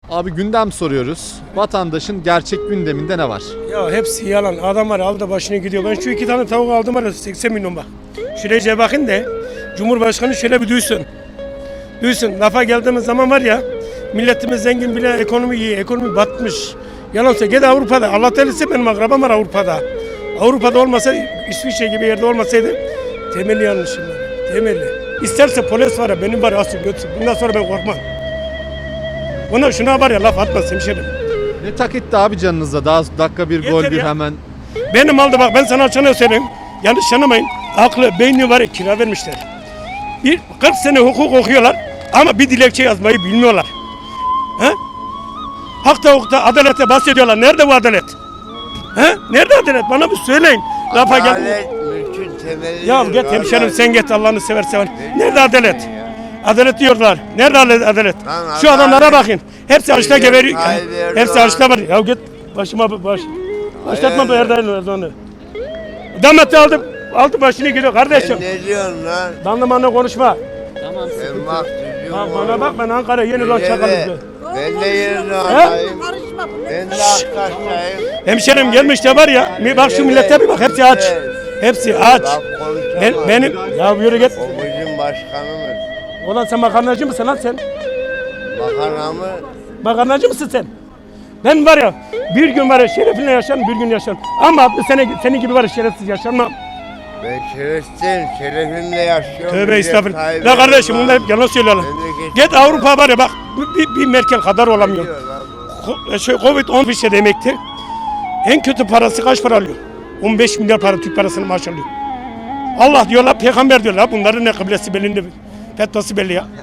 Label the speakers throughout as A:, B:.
A: Abi gündem soruyoruz. Vatandaşın gerçek gündeminde ne var?
B: Ya hepsi yalan. Adam var aldı başını gidiyor. Ben şu 2 tane tavuk aldım var 80 milyon bak. Şuraya bakın da Cumhurbaşkanı şöyle bir duysun. Duysun. Lafa geldiğimiz zaman var ya milletimiz zengin bile ekonomi iyi. Ekonomi batmış. Yalansa gel Avrupa'da. Allah telisi benim akrabam var Avrupa'da. Avrupa'da olmasa İsviçre gibi yerde olmasaydı temelli yanlışım var. Temelli. İsterse polis var ya benim var ya asıl götürsün. Bundan sonra ben korkmam. Şuna var ya laf atmaz hemşerim.
A: Ne tak etti abi canınıza? Daha dakika bir gol
B: Yeter
A: bir
B: ya.
A: hemen.
B: Benim aldı bak ben sana açana söyleyeyim. Yanlış anlamayın. Aklı, beyni var ya kira vermişler. 40 sene hukuk okuyorlar ama bir dilekçe yazmayı bilmiyorlar. He? Hakta hukukta adalete bahsediyorlar. Nerede bu adalet? He? Nerede adalet? Bana bir söyleyin. Lafa gel.
C: Adalet mülkün temeli.
B: Ya git hemşerim sen git Allah'ını seversen. Nerede adalet? Adalet diyorlar. Nerede adalet?
C: Lan
B: Şu adamlara
C: adalet.
B: bakın. Hepsi açta geberiyor.
C: Tayyip Erdoğan.
B: Hepsi açta var. Ya git başıma baş. Başlatma bu Erdoğan'ı. Damat aldı başını gidiyor kardeşim.
C: Sen ne diyorsun lan?
B: Danlımanla konuşma.
C: Sen bak
B: Ha, bana bak ben Ankara yeni lan çakalım.
C: Ben de yerine atayım. Ben de Aktaş'tayım.
B: Hemşerim gelmiş de var ya. Bak şu millete bir bak hepsi aç. Hepsi aç.
C: Bak konuşamaz.
B: Benim ya yürü git.
C: O bizim başkanımız.
B: Ulan sen makarnacı mısın lan sen?
C: Makarnamı
B: Makarnacı mısın sen? Ben var ya bir gün var ya şerefinle yaşarım bir gün yaşarım. Ama 60 sene senin gibi var ya şerefsiz yaşamam.
C: ben şerefsizim. Şerefimle yaşıyorum.
B: Tövbe
C: Recep
B: estağfurullah.
C: Tayyip
B: La kardeşim
C: Erdoğan.
B: bunlar hep yalan söylüyorlar.
C: Memleket-
B: Git Avrupa var ya bak bir Merkel kadar olamıyor.
C: Diyor lan bu.
B: Covid-19 bir şey demektir. En kötü parası kaç para alıyor? 15 milyar para Türk parasını maaş alıyor. Allah diyorlar, peygamber diyorlar. Bunların ne kıblesi belli, ne fetvası belli ya.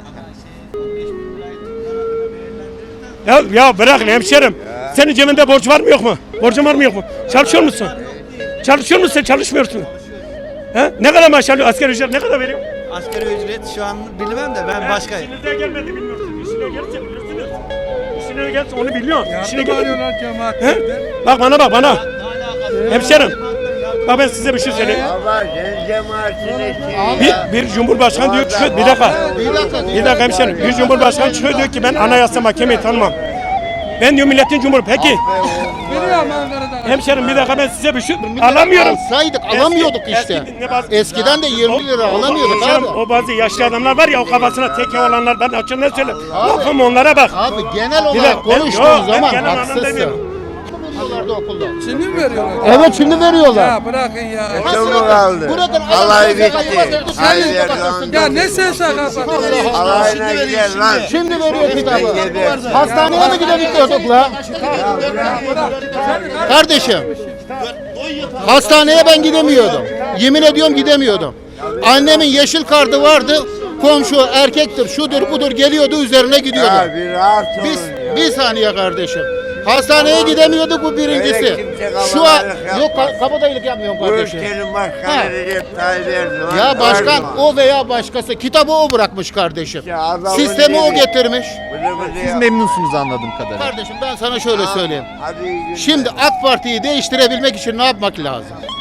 B: Ya bırak hemşerim. Senin cebinde borç var mı yok mu? Borcun var mı yok mu? Çalışıyor musun? Çalışıyor musun sen? Çalışmıyorsun. He? Ne kadar maaş alıyor? Asgari ücret ne kadar veriyor?
D: Asgari ücret şu an bilmem de ben başkayım.
B: İşinize gelmedi bilmiyorsun. İşine gelse bilirsiniz. İşine gelse onu biliyorsun. İşine gel. Bak bana. Hemşerim. Bak ben size bir şey söyleyeyim.
C: Baba sen cemaatine şey ya.
B: Bir cumhurbaşkanı diyor ki bir dakika hemşerim. Bir cumhurbaşkanı çıkıyor diyor ki ben anayasa mahkemeyi tanımam. Ben diyor milletin cumhuru. Peki hemşerim bir dakika ben size bir şey alamıyorum.
E: Alsaydık alamıyorduk işte. Eskiden de 20 lira alamıyorduk
B: Hemşerim,
E: abi.
B: o bazı yaşlı adamlar var ya o kafasına teke olanlar ben açığından söyleyeyim. Bakın onlara bak.
E: Abi genel
B: Bir
E: olarak
B: dakika, ben-
E: konuştuğun
B: yok, ben
E: zaman
B: genel anlamda
E: haksızsın.
B: demiyorum.
E: Bunlarda okulda.
F: Şimdi mi veriyorlar?
E: Evet şimdi veriyorlar.
F: Ya bırakın ya.
C: Çok mu kaldı?
E: Bırakın,
C: Alay
E: adam
C: bitti.
E: SSK'yı
C: Tayyip
E: verdi,
C: Erdoğan.
F: Ya ne SSK'sı?
C: Alayına gider lan.
E: Şimdi veriyor kitabı.
C: Gidersin.
E: Hastaneye mi gidemiyorduk la? Kardeşim. Hastaneye ben gidemiyordum. Yemin ediyorum gidemiyordum. Annemin yeşil kartı vardı. Komşu erkektir, şudur budur geliyordu üzerine gidiyordu.
C: Ya bir rahat olun ya.
E: Bir saniye kardeşim. Hastaneye gidemiyorduk bu birincisi.
C: Öyle kimse
E: Şu an
C: kabadayılık yapmaz.
E: yok kabadayılık yapmıyorum
C: Bu
E: kardeşim.
C: ülkenin
E: Ha.
C: başkanı Recep Tayyip Erdoğan.
E: Ya başkan
C: Erdoğan.
E: o veya başkası kitabı o bırakmış kardeşim.
C: Ya adamın
E: Sistemi o
C: dili.
E: getirmiş.
C: Bıdı bıdı
A: Siz
C: yap.
A: memnunsunuz anladığım kadarıyla.
E: Kardeşim ben sana şöyle söyleyeyim.
C: Hadi iyi günler.
E: Şimdi AK Parti'yi değiştirebilmek için ne yapmak lazım?